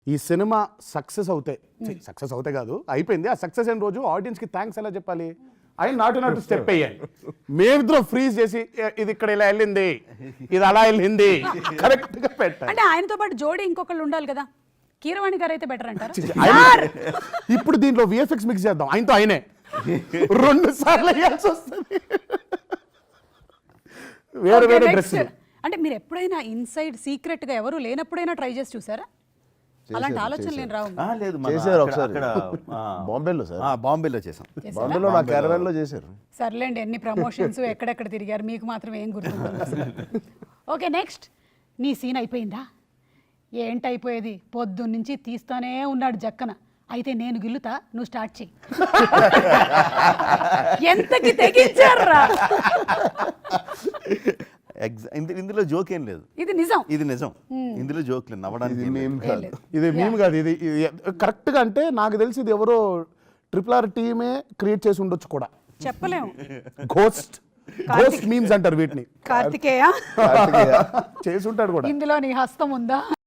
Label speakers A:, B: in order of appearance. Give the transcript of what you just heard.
A: ఈ cinema success అవుతే కాదు అయిపోయింది. ఆ సక్సెస్ అయిన రోజు ఆడియన్స్ కి థ్యాంక్స్ ఎలా చెప్పాలి? ఆయన నాటు స్టెప్ అయ్యాయి. మేమిద్దరం ఫ్రీజ్ చేసి ఇది ఇక్కడ ఇలా వెళ్ళింది, ఇది అలా వెళ్ళింది, కరెక్ట్ గా పెట్టాలి.
B: అంటే ఆయనతో పాటు జోడి ఇంకొకళ్ళు ఉండాలి కదా. కీరవాణి గారు అయితే బెటర్ అంటారు.
A: ఇప్పుడు దీంట్లో విఎఫ్ఎక్స్ మిక్స్ చేద్దాం, ఆయనతో ఆయనే 2 సార్లు వేయాల్సి వస్తుంది. వేరే డ్రెస్.
B: అంటే మీరు ఎప్పుడైనా ఇన్సైడ్ సీక్రెట్ గా ఎవరు లేనప్పుడైనా ట్రై చేసి చూసారా? అలాంటి ఆలోచనలు నేను రావు.
C: లేదు
D: చేశారు ఒకసారి బాంబేలో. సార్
C: బాంబేలో చేసాం.
D: బాంబేలో నా క్యారవాన్ లో చేశారు.
B: సర్లేండి, ఎన్ని ప్రమోషన్స్ ఎక్కడెక్కడ తిరిగారు, మీకు మాత్రం ఏం గుర్తుంది? ఓకే, నెక్స్ట్ నీ సీన్ అయిపోయిందా? ఏంటైపోయేది, పొద్దున్నుంచి తీస్తానే ఉన్నాడు జక్కన. అయితే నేను గిల్లుతా, నువ్వు స్టార్ట్ చెయ్యి. ఎంతకి తెగించారా?
C: ఇందులో జోక్ ఏం లేదు,
B: ఇది నిజం.
C: ఇది నిజం. ఇందులో జోక్ లేదు, నవ్వడానికి
A: ఇది మేము కాదు, ఇది కరెక్ట్ గా. అంటే నాకు తెలిసి ఇది ఎవరో RRR టీమే క్రియేట్ చేసి ఉండొచ్చు కూడా.
B: చెప్పలేము.
A: గోస్ట్ మీమ్స్ అంటారు వీటిని.
B: కార్తికేయ
A: చేసి ఉంటాడు కూడా.
B: ఇందులో నీ హస్తం ఉందా?